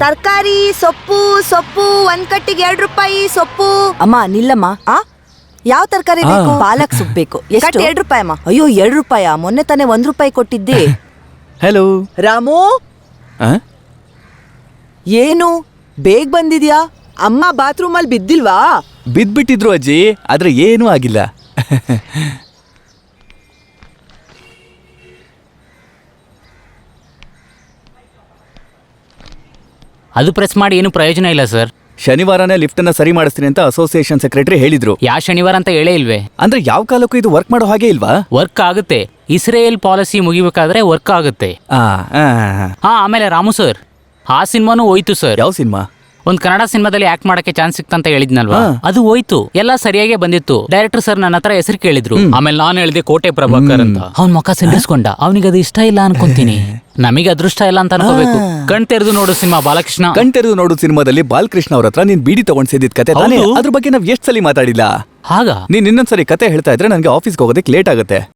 ತರಕಾರಿ ಸೊಪ್ಪು 1 ಕಟ್ಟಿಗೆ 2 ರೂಪಾಯಿ ಸೊಪ್ಪು. ಅಮ್ಮ ನಿಲ್ಲಮ್ಮ. ಯಾವ ತರಕಾರಿ ಬೇಕು? ಪಾಲಕ್ ಸೊಪ್ಪು ಬೇಕು. ಎಷ್ಟು? 2 ರೂಪಾಯಿ ಅಮ್ಮ. ಅಯ್ಯೋ 2 ರೂಪಾಯ? ಮೊನ್ನೆ ತಾನೇ 1 ರೂಪಾಯಿ ಕೊಟ್ಟಿದ್ದೆ. ಹಲೋ ರಾಮು, ಏನು ಬೇಗ ಬಂದಿದ್ಯಾ? ಅಮ್ಮ ಬಾತ್ರೂಮ್ ಅಲ್ಲಿ ಬಿದ್ದಿಲ್ವಾ? ಬಿದ್ಬಿಟ್ಟಿದ್ರು ಅಜ್ಜಿ, ಆದ್ರೆ ಏನೂ ಆಗಿಲ್ಲ. ಅದು ಪ್ರೆಸ್ ಮಾಡಿ ಏನು ಪ್ರಯೋಜನ ಇಲ್ಲ ಸರ್. ಶನಿವಾರನೇ ಲಿಫ್ಟ್ ಅನ್ನ ಸರಿ ಮಾಡಿಸ್ತೀನಿ ಅಂತ ಅಸೋಸಿಯೇಷನ್ ಸೆಕ್ರೆಟರಿ ಹೇಳಿದ್ರು. ಯಾವ ಶನಿವಾರ ಅಂತ ಹೇಳೇ ಇಲ್ವೇ? ಅಂದ್ರೆ ಯಾವ ಕಾಲಕ್ಕೂ ಇದು ವರ್ಕ್ ಮಾಡೋ ಹಾಗೆ ಇಲ್ವಾ? ವರ್ಕ್ ಆಗುತ್ತೆ. ಇಸ್ರೇಲ್ ಪಾಲಿಸಿ ಮುಗಿಬೇಕಾದ್ರೆ ವರ್ಕ್ ಆಗುತ್ತೆ. ಆಮೇಲೆ ರಾಮು ಸರ್, ಆ ಸಿನಿಮಾನು ಹೋಯ್ತು ಸರ್. ಯಾವ ಸಿನಿಮಾ? ಒಂದ್ ಕನ್ನಡ ಸಿನಿಮಾದಲ್ಲಿ ಆಕ್ಟ್ ಮಾಡಕ್ಕೆ ಚಾನ್ಸ್ ಸಿಕ್ತಂತ ಹೇಳಿದ್ನಲ್ವಾ, ಅದು ಹೋಯ್ತು. ಎಲ್ಲ ಸರಿಯಾಗೇ ಬಂದಿತ್ತು. ಡೈರೆಕ್ಟರ್ ಸರ್ ನನ್ನ ಹತ್ರ ಹೆಸರು ಕೇಳಿದ್ರು. ಆಮೇಲೆ ನಾನು ಹೇಳಿದೆ ಕೋಟೆ ಪ್ರಭಾಕರ್ ಅಂತ. ಅವ್ನ್ ಮುಖ ಸಿಂಡಿಸ್ಕೊಂಡ. ಅವನಿಗೆ ಅದು ಇಷ್ಟ ಇಲ್ಲ ಅನ್ಕೊಂತೀನಿ. ನಮಗೆ ಅದೃಷ್ಟ ಇಲ್ಲ ಅಂತ ಅನ್ಕೋಬೇಕು. ಕಣ್ ತೆರೆದು ನೋಡು ಸಿನಿಮಾ ಬಾಲಕೃಷ್ಣ. ಕಣ್ ತೆರೆದು ನೋಡು ಸಿನಿಮಾದಲ್ಲಿ ಬಾಲಕೃಷ್ಣ ಅವ್ರ ಹತ್ರ ನೀನ್ ಬೀಡಿ ತಗೊಂಡ್ ಸೇದಿದ್ ಕತೆ ತಾನೇ? ಅದ್ರ ಬಗ್ಗೆ ನಾವ್ ಎಷ್ಟ್ ಸಲ ಮಾತಾಡಿಲ್ಲ. ಹಾಗ ನೀನ್ ಇನ್ನೊಂದ್ಸರಿ ಕತೆ ಹೇಳ್ತಾ ಇದ್ರೆ ನಂಗೆ ಆಫೀಸ್ಗೆ ಹೋಗೋದಕ್ಕೆ ಲೇಟ್ ಆಗುತ್ತೆ.